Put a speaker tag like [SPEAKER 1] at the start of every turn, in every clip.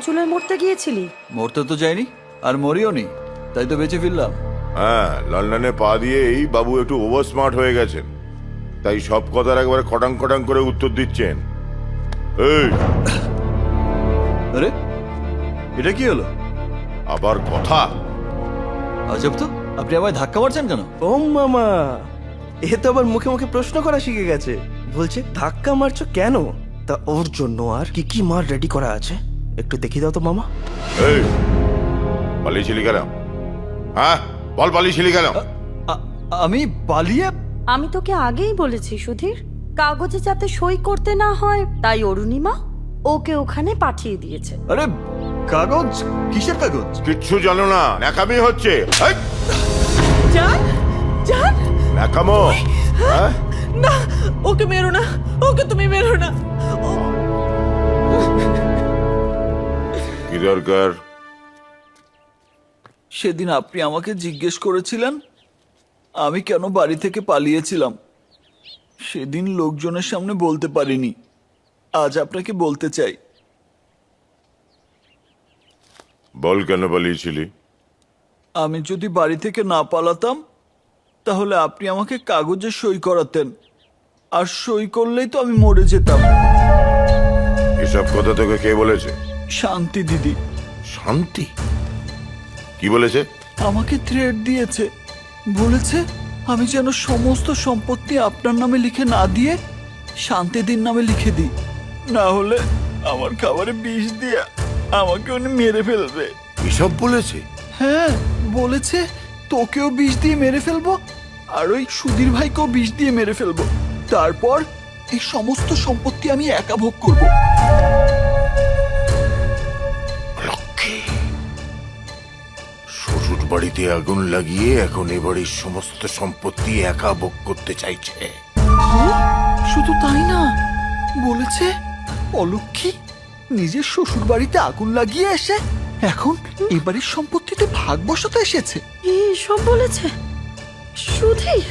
[SPEAKER 1] চুলে মরতে গিয়েছিলি?
[SPEAKER 2] মরতে তো যায়নি, আর মরিও নি, তাই তো বেঁচে ফিরলাম।
[SPEAKER 3] হ্যাঁ, লন্ডনে পা দিয়েই বাবু একটু ওভার স্মার্ট হয়ে গেছেন, তাই সব কথার একবারে কটাং কটাং করে উত্তর দিচ্ছেন। এই
[SPEAKER 2] আরে এটা কি হলো?
[SPEAKER 3] আবার কথা?
[SPEAKER 2] আজব তো, আপনি আমায় ধাক্কা মারছেন কেন?
[SPEAKER 4] ও মামা, এ তো আবার মুখে মুখে প্রশ্ন করা শিখে গেছে। বলছে ধাক্কা মারছো কেন? তা ওর জন্য আর কি কি মার রেডি করা আছে, একটু দেখিয়ে দাও তো মামা।
[SPEAKER 3] এই পালিয়েছিলি কেন? হ্যাঁ বল, পালিয়েছিলি কেন?
[SPEAKER 2] আমি পালিয়ে?
[SPEAKER 1] আমি তোকে আগেই বলেছি সুধীর, কাগজে যাতে সই করতে না হয়, তাই অরুণিমা ওকে ওখানে পাঠিয়ে দিয়েছে।
[SPEAKER 2] আরে কাগজ? কিসের কাগজ?
[SPEAKER 3] কিচ্ছু জানো না, ন্যাকামি হচ্ছে। এই,
[SPEAKER 5] জান, জান,
[SPEAKER 3] ন্যাকামো? হ্যাঁ?
[SPEAKER 5] না, ওকে মেরো না, ওকে তুমি মেরো না।
[SPEAKER 3] কি দরকার?
[SPEAKER 2] সেদিন আপনি আমাকে জিজ্ঞেস করেছিলেন আমি কেন বাড়ি থেকে পালিয়েছিলাম। সেদিন লোকজনের সামনে বলতে পারিনি, আজ আপনাকে বলতে চাই।
[SPEAKER 3] বল কেন পালিয়েছিলি?
[SPEAKER 2] আমি যদি বাড়ি থেকে না পালাতাম তাহলে আপনি আমাকে কাগজে সই করাতেন, আর সই করলেই তো আমি মরে যেতাম।
[SPEAKER 3] এসব কথা তোকে কে বলেছে?
[SPEAKER 2] শান্তি দিদি।
[SPEAKER 3] শান্তি? কি বলেছে?
[SPEAKER 2] আমাকে থ্রেট দিয়েছে, বলেছে আমি যেন সমস্ত সম্পত্তি আপনার নামে লিখে না দিয়ে শান্তিদির নামে লিখে দিই, না হলে আমার খাবারে বিষ দিয়ে আমাকে উনি মেরে ফেলবে।
[SPEAKER 3] এসব বলেছে?
[SPEAKER 2] হ্যাঁ বলেছে, তোকেও বিষ দিয়ে মেরে ফেলবো, আর ওই সুধীর ভাইকেও বিষ দিয়ে মেরে ফেলবো, তারপর এই সমস্ত সম্পত্তি আমি একা ভোগ করব।
[SPEAKER 3] লক্ষ্মী, শ্বশুর বাড়িতে আগুন লাগিয়ে এখন এ বাড়ির সমস্ত সম্পত্তি একা ভোগ করতে চাইছে।
[SPEAKER 2] শুধু তাই না, বলেছে অলক্ষী নিজের শ্বশুর বাড়িতে আগুন লাগিয়ে এসে এখন এবারের সম্পত্তিতে ভাগ বসাতে এসেছে।
[SPEAKER 1] সব বলেছে সুধীর?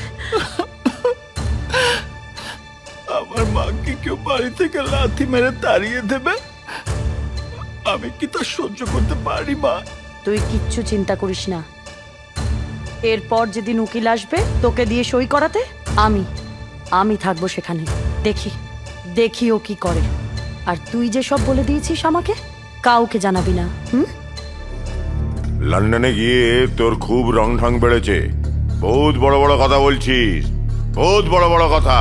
[SPEAKER 2] আমার মাকে কেউ বাড়ি থেকে লাথি মেরে তাড়িয়ে দেবে, আমি কি তা সহ্য করতে পারি মা?
[SPEAKER 1] তুই কিচ্ছু চিন্তা করিস না, এরপর যেদিন উকিল আসবে তোকে দিয়ে সই করাতে, আমি থাকবো সেখানে। দেখি ও কি করে। আর তুই যে সব বলে দিয়েছিস আমাকে, কাউকে জানাবি না।
[SPEAKER 3] লন্ডনে গিয়ে তোর খুব রং ঢং বেড়েছে, বহুত বড় বড় কথা বলছিস, বহুত বড় বড় কথা।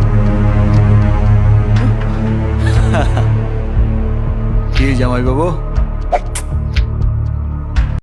[SPEAKER 2] কি জামাই বাবু,